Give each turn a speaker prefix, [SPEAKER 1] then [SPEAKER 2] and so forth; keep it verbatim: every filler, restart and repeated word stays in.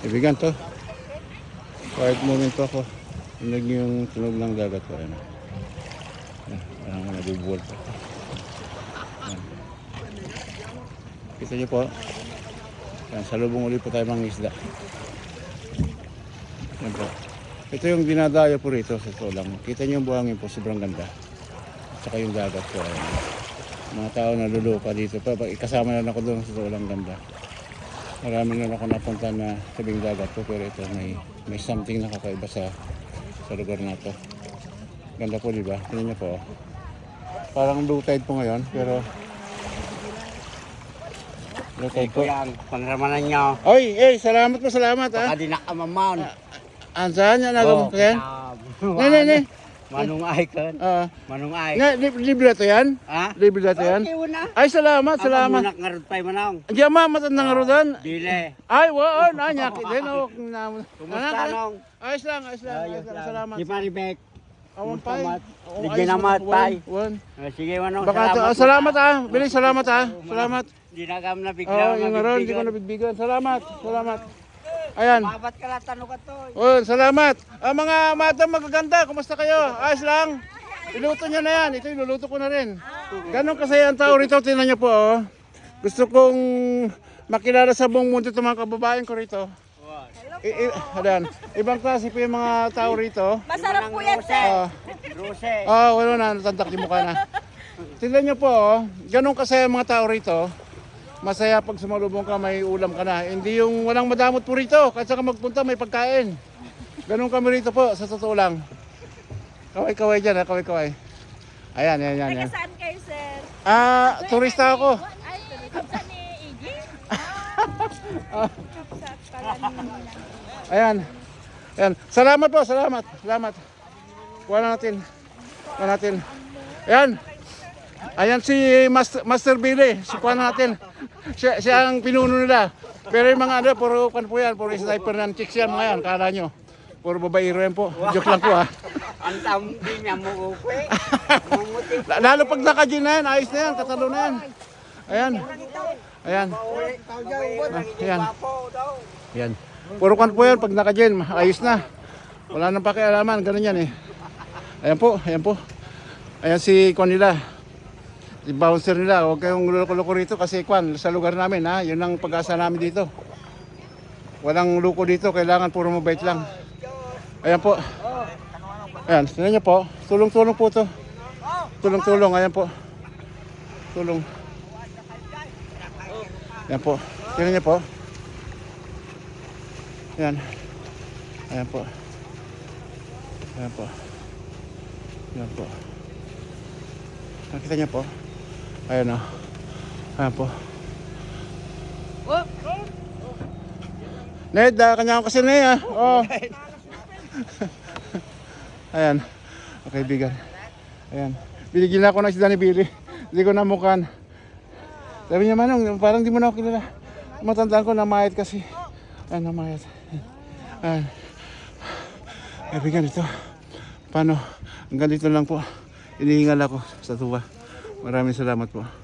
[SPEAKER 1] Ibigan to. Quiet moment to ako. Tunog yung tunog ng dagat ko. Ayan. Ayan. Parang nabubuwal pa. Ayan. Kita nyo po. Ayan. Salubong ulit po tayo mga isda. Ayan po. Ito yung dinadayo po rito sa totoo lang. Kita nyo yung buhangin po. Sobrang ganda. At saka yung dagat po. Ayan. Mga tao nalulupa dito pa. Ikasama na ako doon sa totoo lang ganda. Marami na ako napunta na tabing dagat po, pero ito may may something na kakaiba sa sa lugar na to. Ganda po, di ba? Tingnan niyo po. Parang low tide po ngayon, pero low tide po.
[SPEAKER 2] Yan, pangramanan nyo.
[SPEAKER 1] Oy, eh, salamat po, salamat ha.
[SPEAKER 2] Baka di nakamamaon.
[SPEAKER 1] Ansan yan nagam ko yan? Ne, ne, ne.
[SPEAKER 2] Manong ay kan.
[SPEAKER 1] Ah,
[SPEAKER 2] Manong ay.
[SPEAKER 1] nga lib- libre to yan?
[SPEAKER 2] Ha?
[SPEAKER 1] Libre to yan?
[SPEAKER 2] Okay, una.
[SPEAKER 1] Ay, salamat,
[SPEAKER 2] Ako
[SPEAKER 1] salamat.
[SPEAKER 2] muna ngarot pa manong.
[SPEAKER 1] Diyan ma, matandang nga rodan.
[SPEAKER 2] Dile.
[SPEAKER 1] Ay, wao, na nyaki din oh.
[SPEAKER 2] Kumusta nong?
[SPEAKER 1] Ayos lang, ayos lang, ayos lang. Salamat.
[SPEAKER 2] Di Maribek.
[SPEAKER 1] Awan pa.
[SPEAKER 2] Salamat.
[SPEAKER 1] Oo,
[SPEAKER 2] Ligyan
[SPEAKER 1] ayos
[SPEAKER 2] naman,
[SPEAKER 1] lang.
[SPEAKER 2] pay.
[SPEAKER 1] Wan, wan.
[SPEAKER 2] Ah, Sige manong,
[SPEAKER 1] Baka
[SPEAKER 2] salamat.
[SPEAKER 1] ah, salamat ah. Bilis salamat ah. Salamat.
[SPEAKER 2] Di na kam na
[SPEAKER 1] Oh,
[SPEAKER 2] bigla.
[SPEAKER 1] yung aron, hindi ko nabigbigan. Salamat. Salamat. Ayan.
[SPEAKER 2] Babat ka lang tanong ka to.
[SPEAKER 1] Oh, salamat. Ah, mga madam magaganda, kumusta kayo? Ayos lang. Iluto niyo na yan. Ito iluluto ko na rin. Ganon kasaya ang tao rito. Tingnan niyo po oh. Gusto kong makilala sa buong mundo itong mga kababayan ko rito. I, i, adan. Ibang klase po yung mga tao rito.
[SPEAKER 3] Masarap po yan, sir.
[SPEAKER 1] Ah,
[SPEAKER 2] Rose.
[SPEAKER 1] ah, wala na, natantak yung mukha na. Tingnan niyo po, oh, ganun kasaya ang mga tao rito. Masaya pag sumalubong ka, may ulam ka na. Hindi yung walang madamot po rito. Kahit saan ka magpunta, may pagkain. Ganun kami rito po, sa totoo lang. Kaway-kaway dyan, ha? Kaway-kaway. Ayan, ayan, ayan.
[SPEAKER 3] Taga
[SPEAKER 1] ayan.
[SPEAKER 3] saan kayo, sir?
[SPEAKER 1] Ah, turista ako.
[SPEAKER 3] Ay, saan ni Iggy?
[SPEAKER 1] Ah,
[SPEAKER 3] Sa pala ni...
[SPEAKER 1] ayan. Ayan. Salamat po, salamat. Salamat. Kuha na natin. Kuha natin. Ayan. Ayan si Master, Master Billy. Si kuha na natin. Siya, siya ang pinuno nila. Pero yung mga ano, puro kan po yan. Puro sniper ng chicks yan mga yan. Kala nyo. Puro babaero yan po. Joke lang po ha.
[SPEAKER 2] Ang tambi niya mo upe. Mumuti.
[SPEAKER 1] Lalo pag naka-gin na yan, ayos na yan. Katalo na yan. Ayan. Ayan. Ayan. Ayan. Puro kan po yan. Pag naka-gin, ayos na. Wala nang pakialaman. Ganun yan eh. Ayan po. Ayan po. Ayan si Kwan nila. Si bouncer nila. Huwag kayong loko-loko rito kasi Kwan, sa lugar namin ha. Yun ang pag-asa namin dito. Walang luko dito. Kailangan puro mabait lang. Ayan po. Ayan. Tingnan niyo po. Tulong-tulong po to. Tulong-tulong. Ayan po. Tulong. Ayan po. Tingnan niyo po. Ayan. Ayan po. Ayan po. Ayan po. Nakita niyo po. Ayan o. Ayan po. Ned, ah, kanya ko kasi na yan. Oh. Ayan. Okay, bigan. Ayan. Binigyan ako ng si Danny Billy. Hindi ko namukan. Sabi niya, Manong, parang di mo na ako kilala. Matandaan ko, namayat kasi. Ayan, namayat. Ayan. Ay, bigan ito. Paano? Hanggang dito lang po. Inihingal ako sa tuwa. Maraming salamat po.